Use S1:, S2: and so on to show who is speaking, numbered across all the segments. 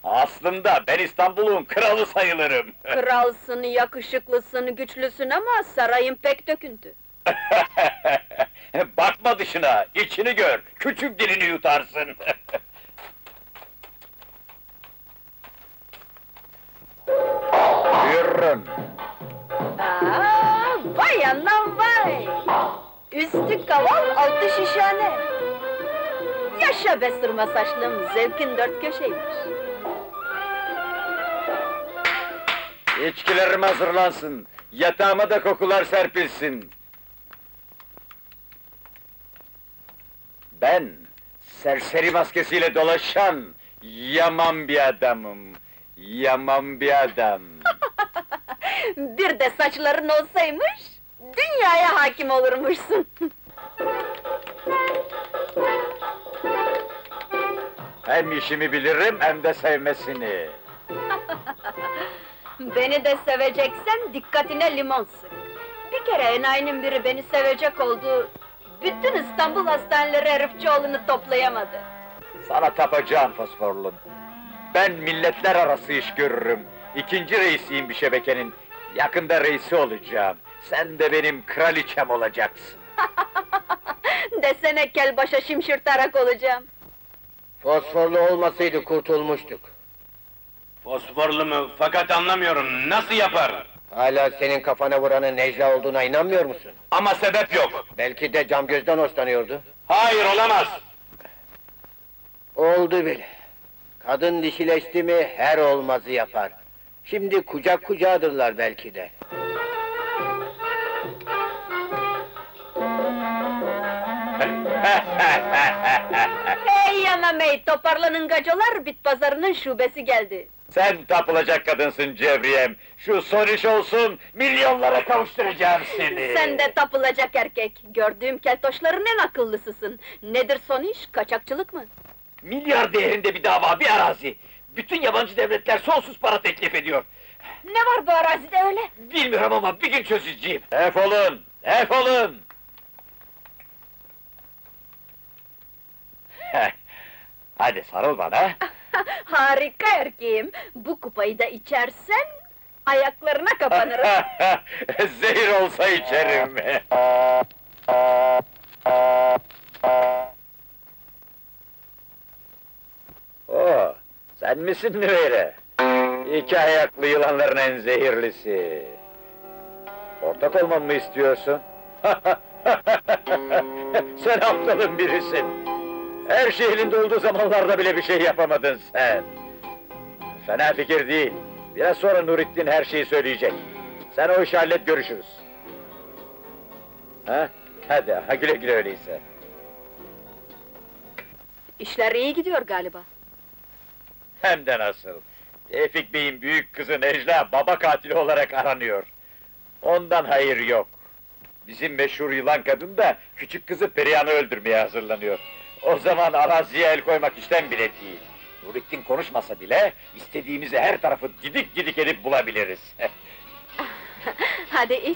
S1: Aslında ben İstanbul'un kralı sayılırım.
S2: Kralsın, yakışıklısın, güçlüsün ama sarayın pek döküntü.
S1: Bakma dışına, içini gör, küçük dilini yutarsın. Buyurun.
S2: Vay anam vay! Üstü kaval, altı şişhane. Yaşa be sırma saçlım, zevkin dört köşeymiş.
S1: İçkilerim hazırlansın, yatağıma da kokular serpilsin. Ben, serseri maskesiyle dolaşan, yaman bir adamım. Yaman bir adam.
S2: Bir de saçların olsaymış, dünyaya hakim olurmuşsun.
S1: Hem işimi bilirim, hem de sevmesini.
S2: Beni de seveceksen dikkatine limon sık. Bir kere enayinin biri beni sevecek oldu, bütün İstanbul hastaneleri herifçioğlunu toplayamadı.
S1: Sana tapacağım fosforlum. Ben milletler arası iş görürüm. İkinci reisiyim bir şebekenin. Yakında reisi olacağım. Sen de benim kraliçem olacaksın.
S2: Desene kel başa şimşirtarak olacağım.
S3: Fosforlu olmasaydı kurtulmuştuk.
S4: Fosforlu mu? Fakat anlamıyorum, nasıl yapar?
S3: Hala senin kafana vuranın Necla olduğuna inanmıyor musun?
S4: Ama sebep yok.
S3: Belki de Camgöz'den hoşlanıyordu.
S4: Hayır, olamaz!
S3: Oldu bile. Kadın dişileşti mi her olmazı yapar. Şimdi kucak kucağıdırlar belki de.
S2: Hey yanam hey, toparlanın gacolar, bit pazarının şubesi geldi.
S1: Sen tapılacak kadınsın Cevriyem. Şu son iş olsun, milyonlara kavuşturacağım seni.
S2: Sen de tapılacak erkek, gördüğüm keltoşların en akıllısısın. Nedir son iş, kaçakçılık mı?
S1: Milyar değerinde bir dava, bir arazi. Bütün yabancı devletler sonsuz para teklif ediyor.
S2: Ne var bu arazide öyle?
S1: Bilmiyorum ama bir gün çözeceğim. Defolun, defolun! Hadi sarıl bana.
S2: Harika erkeğim, bu kupayı da içersen, ayaklarına kapanırım.
S1: Zehir olsa içerim. Oo, sen misin Nüveyre? İki ayaklı yılanların en zehirlisi. Ortak olmamı mı istiyorsun? Sen aptalın birisin. Her şey elinde olduğu zamanlarda bile bir şey yapamadın sen. Fena fikir değil. Biraz sonra Nurettin her şeyi söyleyecek. Sen o işi hallet, görüşürüz. Ha? Hadi, ha güle güle öyleyse.
S2: İşler iyi gidiyor galiba.
S1: Hem de nasıl. Tevfik Bey'in büyük kızı Necla, baba katili olarak aranıyor. Ondan hayır yok. Bizim meşhur yılan kadın da, küçük kızı Perihan'ı öldürmeye hazırlanıyor. O zaman araziye el koymak işten bile değil. Nurettin konuşmasa bile, istediğimizi her tarafı didik didik edip bulabiliriz.
S2: Hadi iç.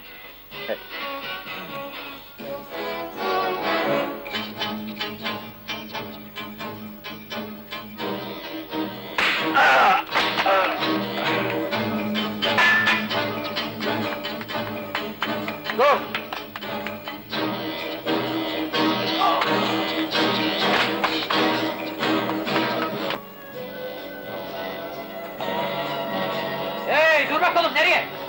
S3: Dur!
S5: Hey, dur bakalım, nereye?